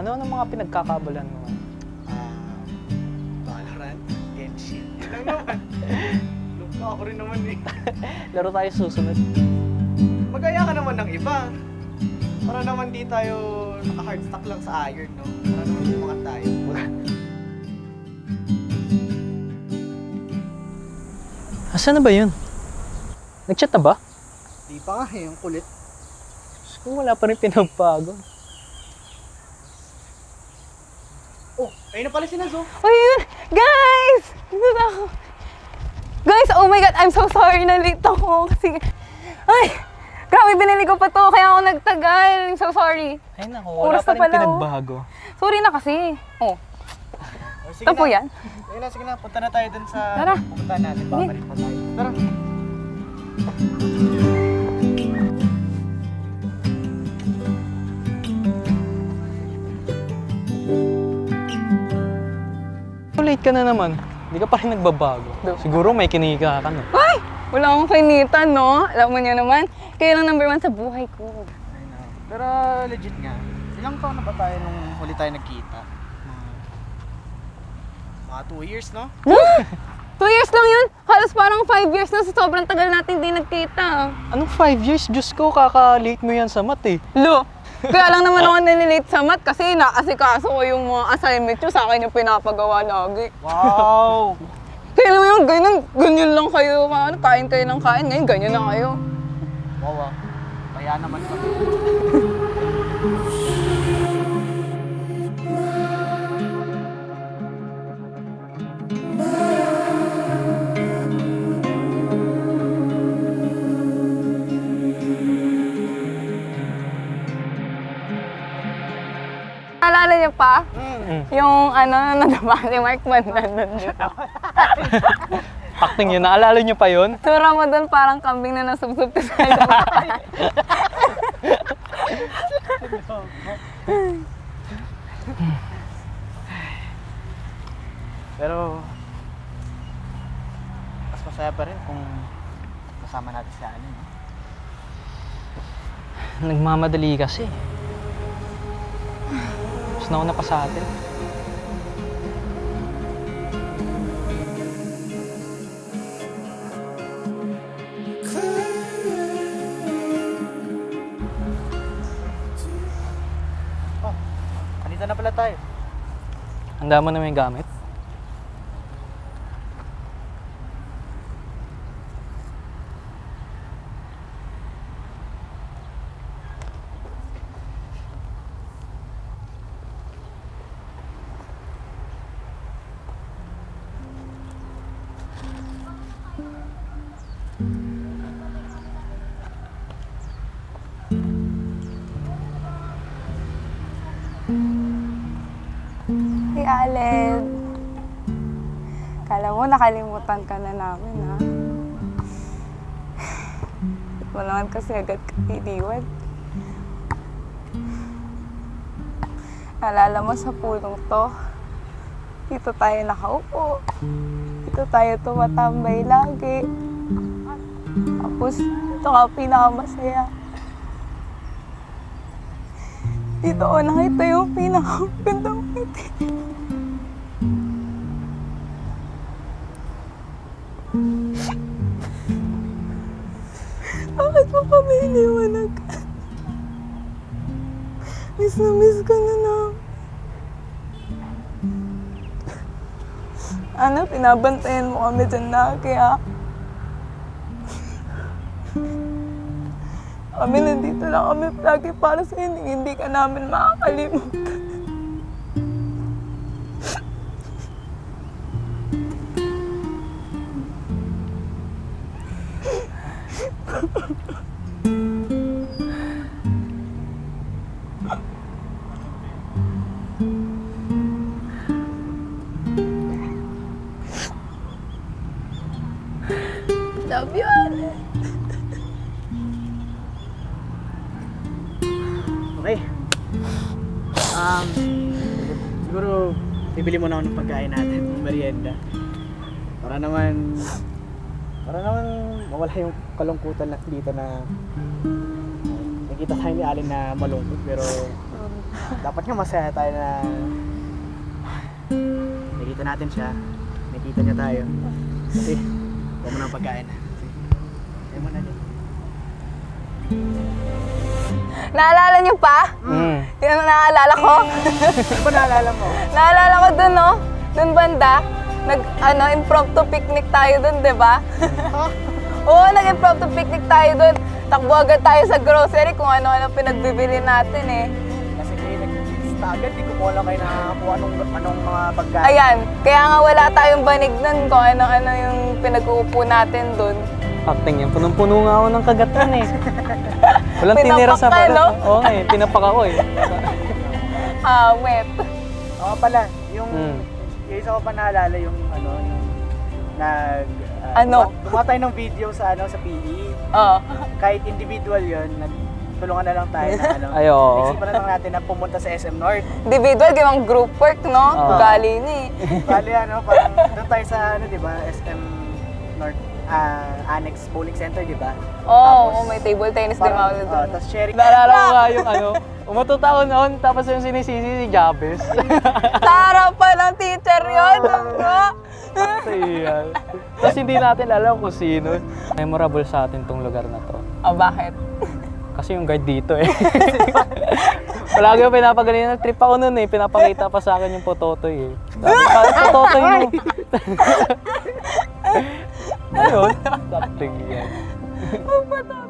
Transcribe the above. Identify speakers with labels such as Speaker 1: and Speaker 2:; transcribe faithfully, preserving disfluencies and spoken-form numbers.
Speaker 1: Ano ang mga pinagkakabalan mo?
Speaker 2: Ah, Valorant, Genshin. Yun lang naman. Lupa ako rin naman eh.
Speaker 1: Laro tayo susunod.
Speaker 2: Magaya ka naman ng iba. Para naman di tayo naka-hardstack lang sa iron, no? Para naman bumangat tayo.
Speaker 1: Asan na ba yun? Nag-chat na ba?
Speaker 2: Di pa nga eh, ang kulit.
Speaker 1: Kung wala pa rin pinagbago.
Speaker 2: Oh, ayun na pala si Nazo.
Speaker 3: Uy, yun! Guys! Dito na ako. Guys, oh my God, I'm so sorry na late ako. Kasi, ay, grabe, binili ko pa to, kaya ako nagtagal. I'm so sorry.
Speaker 1: Ay naku, wala
Speaker 3: Oras
Speaker 1: pa
Speaker 3: na
Speaker 1: rin
Speaker 3: pala, oh.
Speaker 1: pinagbago.
Speaker 3: Sorry na kasi. Oh,
Speaker 2: Oh, sige
Speaker 3: ito po
Speaker 2: na.
Speaker 3: yan.
Speaker 2: Sige na, sige na. Punta na tayo dun sa...
Speaker 3: Tara.
Speaker 2: Pupunta natin, babalik pa tayo. Tara.
Speaker 1: Late ka na naman. Hindi ka pa rin nagbabago. Siguro may kinika ka, no?
Speaker 3: Ay! Wala akong kainitan, no? Alam mo niyo naman, kayo lang number one sa buhay ko.
Speaker 2: I know. Pero legit nga, ilang taon na ba tayo nung huli tayo nagkita? Mga, mga two years, no?
Speaker 3: Two years lang yun? Halos parang five years na sa sobrang tagal natin di nagkita.
Speaker 1: Anong five years? Diyos ko, kaka-late mo yan sa mat eh.
Speaker 3: Lo, kaya lang naman ako nalilate sa math kasi naasikaso ko yung mga assignment nyo, sa akin yung pinapagawa lagi.
Speaker 2: Wow!
Speaker 3: Kaya naman yung ganyan, ganyan lang kayo, ano, kain kayo ng kain, ngayon ganyan na kayo.
Speaker 2: Wow, ah. Kaya naman kami.
Speaker 3: Naalala niyo pa?
Speaker 1: Mm.
Speaker 3: Yung ano, nadama si Mark Mandan nun dito.
Speaker 1: Acting yun, naalala niyo pa yun?
Speaker 3: Tura mo dun parang kambing na nasubsob ka sa lupa.
Speaker 2: Pero, mas masaya pa rin kung kasama natin si Ani, no?
Speaker 1: Nagmamadali kasi. Mas nauna pa sa atin.
Speaker 2: Oh, andito na pala tayo.
Speaker 1: Handa mo na may gamit?
Speaker 3: Hey, Aled. Kala mo nakalimutan ka na namin, ha? Wala naman kasi agad ka tiniwan. Naalala mo sa pulong to, dito tayo nakaupo. Dito tayo tumatambay lagi. Tapos, ito ka pinakamasaya. Dito ko nakita yung pinakagandang ngiti. Bakit mo kami iniwanag? Miss na miss ka na namin. Ano, pinabantayan mo kami dyan na kaya kami nandito lang kami lagi para sa hindi, hindi ka namin makakalimutan. Love you, Alex.
Speaker 2: Okay. Um, siguro, bibili muna ako ng pagkain natin, ng merienda. Para naman, para naman mawala yung kalungkutan na dito na uh, nakita tayo ni Alin na malungkot, pero dapat nga masaya tayo na nakita natin siya, nakita niya tayo. Kasi, huwag mo ng pagkain. Ayaw mo na din.
Speaker 3: Naalala niyo pa?
Speaker 1: Mm.
Speaker 3: Yun ang naalala ko.
Speaker 2: Ano ba naalala mo?
Speaker 3: Naalala ko dun, no? Dun banda. Nag, ano, impromptu picnic tayo dun, di ba? Oo, nag-impromptu picnic tayo dun. Takbo agad tayo sa grocery kung ano-ano pinagbibili natin eh.
Speaker 2: Kasi kayo nag-lista agad, di ko mo lang kayo nakakuha anong, anong mga pagkain.
Speaker 3: Ayan, kaya nga wala tayong banig nun kung ano-ano yung pinag-uupo natin dun.
Speaker 1: Acting yan. Punong-puno nga ako ng kagatan eh. Walang tinira sa
Speaker 3: Pinapak ka,
Speaker 1: balat.
Speaker 3: no?
Speaker 1: Oo nga eh, pinapak ako eh.
Speaker 3: Ah, wet.
Speaker 2: Oo pala, yung,
Speaker 1: Mm.
Speaker 2: yung isa ko pa naalala yung ano, yung nag... ah,
Speaker 3: Ano?
Speaker 2: gumawa- Gumawa tayo ng video sa ano sa P E.
Speaker 3: Oo.
Speaker 2: Kahit individual yun, nagtulungan na lang tayo na ano.
Speaker 1: Ay, oo.
Speaker 2: Naisipan na lang natin na pumunta sa S M North.
Speaker 3: Individual, gawang group work, no?
Speaker 1: Oo.
Speaker 3: Ugali ni.
Speaker 2: Bali ano, parang doon tayo sa ano, di ba, S M North ah, Annex Bowling Center, di ba?
Speaker 3: Oo, oh, may table tennis din
Speaker 2: Parang,
Speaker 3: ako
Speaker 2: oh,
Speaker 3: doon.
Speaker 2: tapos sharing.
Speaker 1: Naalala ko nga yung ano, umatutaon noon, tapos yung sinisisi si Jabez.
Speaker 3: Tara pa ng teacher yun, no?
Speaker 1: Kasi yan. Tapos hindi natin alam kung sino. Memorable sa atin tong lugar na to.
Speaker 3: Oh, bakit?
Speaker 1: Kasi yung guard dito eh. Palagi yung pinapagaling na trip ako nun eh. Pinapakita pa sa akin yung pototoy eh. Sabi pa, pototoy mo. Ayun, something yan.